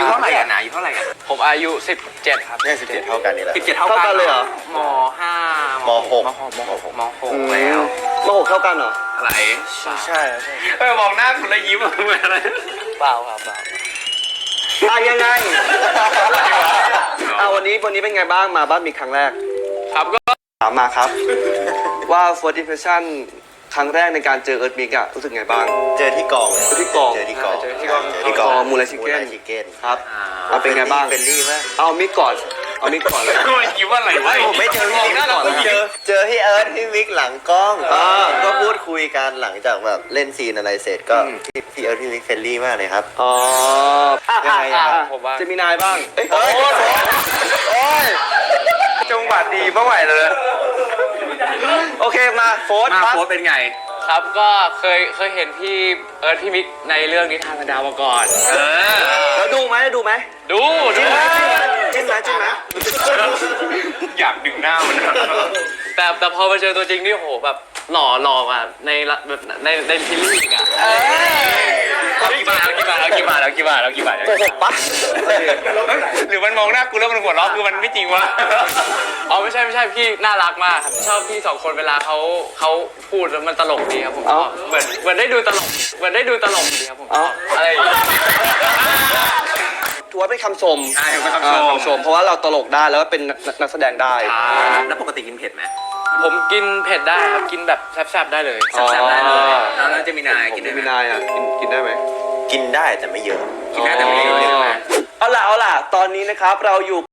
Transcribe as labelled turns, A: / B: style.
A: ยุเท่าไหร่กันนะอายุเท่าไหร่กัน
B: ผมอายุ17ครับ
C: เนี่ย17เท่ากันนี่แหละ
A: 17เท่ากัน
D: เลยเหรอ
A: ม5
C: ม6
A: ม6แล้ว
D: ม.6 เท่ากันเหรอ
A: อะไร
D: ใช่
A: มองหน้าคุณแล้วยิ้มเหมือนอะไร
B: เปล่า
D: ยังไงวันนี้เป็นไงบ้างมาบ้านมีครั้งแรก
B: ครับก็
D: ถามมาครับ ว่า first impression ครั้งแรกในการเจอเอิร์ธมิกอะรู้สึกไงบ้าง
C: เจอที่กอง
D: เจอที่กอง
C: เจอที่กอง
D: มูลชิเก้นครับเป็นไงบ้าง
C: เป็นรี่มาก
D: เอามิกก่อนเลย
A: ยิ้มอะไรวะ
C: ผมไม่เจอพี่มิกก่อนเจอพี่เอิร์ธพี่มิกหลังกล้องก็พูดคุยกันหลังจากแบบเล่นซีนอะไรเสร็จก็พี่เอิร์ธพี่มิกเฟรนลี่มากเลยครับ
B: ผมว่า
D: จะมีนายบ้าง
C: โอ้ย
A: จังหวะดีเมื่อไหร่เลย
D: โอเคมาโฟร์
A: มา
D: ครับ
A: โพสเป็นไง
B: ครับก็เคยเห็นพี่เอิร์ธพี่มิกในเรื่องนิทานพันดาวมาก่อน
D: แล้วดูไหม
B: ดู
D: จิ้มไหม
A: อยากดึงหน้ามัน
B: แต่พอมาเจอตัวจริงนี่โหแบบหล่ออ่ะในซีรีส์อีกอ่ะ
A: เอากี่บาท
D: โกหกปะ
A: หรือมันมองหน้ากูแล้วมันหัวเราะคือมันไม่จริงวะ
B: อ๋อไม่ใช่พี่น่ารักมากครับชอบพี่2คนเวลาเขาพูดแล้วมันตลกดีครับผมเหมือนได้ดูตลกดีครับผมอะไร
D: ถือว่าเป็นคำชม
A: เป็นคำชม
D: เพราะว่าเราตลกได้แล้วก็เป็นนักแสดงได้
A: แล้วปกติกินเผ็ดไหม
B: ผมกินเผ็ดได้ครับกินแบบแซ่บๆได้เลย
A: แซ่บได้เลยแล้วจะมีนายกินได้ไหม
D: มีนายอ่ะกินได้ไหม
C: กินได้แต่ไม่เยอะ
A: กินได้แต่ไม่เยอะ
D: เอาล่ะตอนนี้นะครับเราอยู่